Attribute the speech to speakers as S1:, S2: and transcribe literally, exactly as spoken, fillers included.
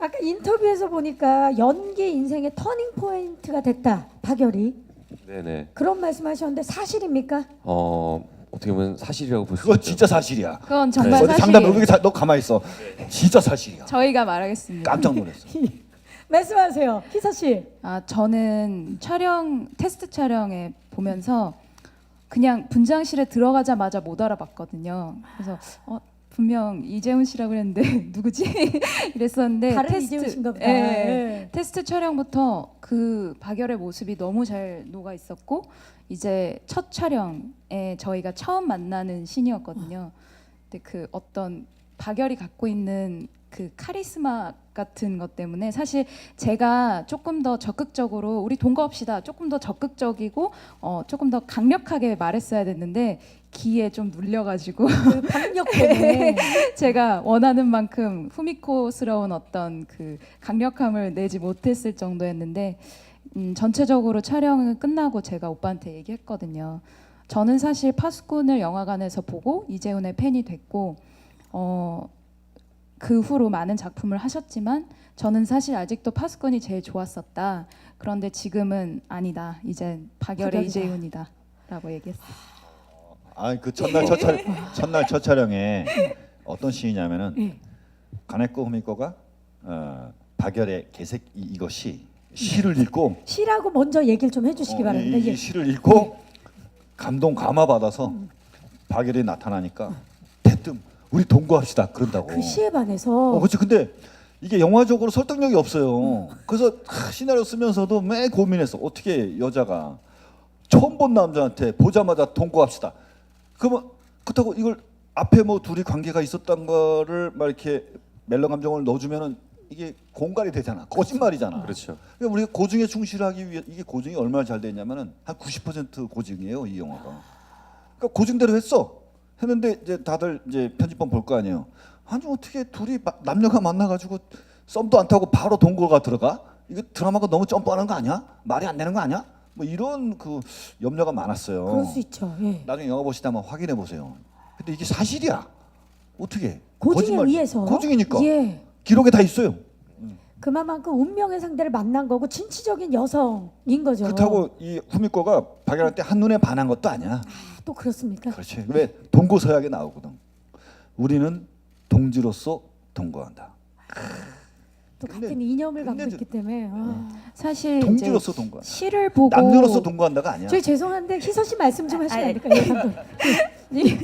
S1: 아까 인터뷰에서 보니까 연기 인생의 터닝 포인트가 됐다. 박열이.
S2: 네네.
S1: 그런 말씀하셨는데 사실입니까?
S2: 어 어떻게 보면 사실이라고 볼 수
S3: 그거
S2: 있죠.
S3: 진짜 사실이야.
S4: 그건 정말
S3: 어디 장담
S4: 사실이에요.
S3: 여기 너 가만히 있어. 진짜 사실이야.
S4: 저희가 말하겠습니다.
S3: 깜짝 놀랐어.
S1: 말씀하세요, 희서 씨.
S4: 아 저는 촬영 테스트 촬영에 보면서 그냥 분장실에 들어가자마자 못 알아봤거든요. 그래서 어, 분명 이재훈 씨라고 그랬는데 누구지? 이랬었는데
S1: 다른 이재훈인가 보다.
S4: 예,
S1: 네.
S4: 테스트 촬영부터 그 박열의 모습이 너무 잘 녹아 있었고 이제 첫 촬영에 저희가 처음 만나는 신이었거든요. 근데 그 어떤 박열이 갖고 있는 그 카리스마 같은 것 때문에 사실 제가 조금 더 적극적으로 우리 동거합시다 조금 더 적극적이고 어, 조금 더 강력하게 말했어야 됐는데 기에 좀 눌려가지고
S1: 그 박력 때문에.
S4: 제가 원하는 만큼 후미코스러운 어떤 그 강력함을 내지 못했을 정도였는데 음, 전체적으로 촬영은 끝나고 제가 오빠한테 얘기했거든요. 저는 사실 파수꾼을 영화관에서 보고 이재훈의 팬이 됐고 어, 그 후로 많은 작품을 하셨지만 저는 사실 아직도 파수꾼이 제일 좋았었다. 그런데 지금은 아니다. 이제 박열의
S1: 박열이다.
S4: 이재훈이다. 라고 얘기했어요.
S3: 아니 그 첫날 첫 촬, 첫날 첫 촬영에 어떤 시이냐면은
S1: 네.
S3: 가네코 후미코가 어, 박열의 개색 이, 이것이 시를 읽고
S1: 시라고 먼저 얘기를 좀 해주시기
S3: 어,
S1: 바랍니다.
S3: 이,
S1: 예.
S3: 이 시를 읽고 감동 감화 받아서 박열이 나타나니까 대뜸 우리 동거합시다 그런다고.
S1: 그 시에 반해서
S3: 어, 그렇지. 근데 이게 영화적으로 설득력이 없어요. 그래서 하, 시나리오 쓰면서도 매 고민했어. 어떻게 여자가 처음 본 남자한테 보자마자 동거합시다. 그러면 그렇다고 이걸 앞에 뭐 둘이 관계가 있었던 거를 막 이렇게 멜로 감정을 넣어주면은 이게 공갈이 되잖아. 거짓말이잖아.
S2: 그렇죠.
S3: 그러니까 우리가 고증에 충실하기 위해 이게 고증이 얼마나 잘 됐냐면은 한 구십 퍼센트 고증이에요 이 영화가. 그러니까 고증대로 했어. 했는데 이제 다들 이제 편집본 볼 거 아니에요. 아니 어떻게 둘이 마, 남녀가 만나가지고 썸도 안 타고 바로 동거가 들어가? 이거 드라마가 너무 점프하는 거 아니야? 말이 안 되는 거 아니야? 뭐 이런 그 염려가 많았어요.
S1: 그럴 수 있죠. 예.
S3: 나중에 영화 보시다 한번 확인해 보세요. 근데 이게 사실이야. 어떻게?
S1: 고증에
S3: 거짓말.
S1: 의해서.
S3: 고증이니까.
S1: 예.
S3: 기록에 다 있어요.
S1: 그만큼 운명의 상대를 만난 거고 진취적인 여성인 거죠.
S3: 그렇다고 이 후미코가 박열한테 한눈에 반한 것도 아니야.
S1: 아, 또 그렇습니까?
S3: 그렇지. 왜 동고서약에 나오거든. 우리는 동지로서 동거한다.
S1: 또
S3: 근데-
S1: 같은 이념을 갖고
S3: 근데
S1: 있기 때문에. 아.
S4: 사실 이제
S3: 동지로서 동거한다.
S4: 시를 보고
S3: 남녀로서 동거한다가 아니야.
S1: 저희 죄송한데 희서 씨 말씀 좀 하시면 안 될까요? 예, 감독?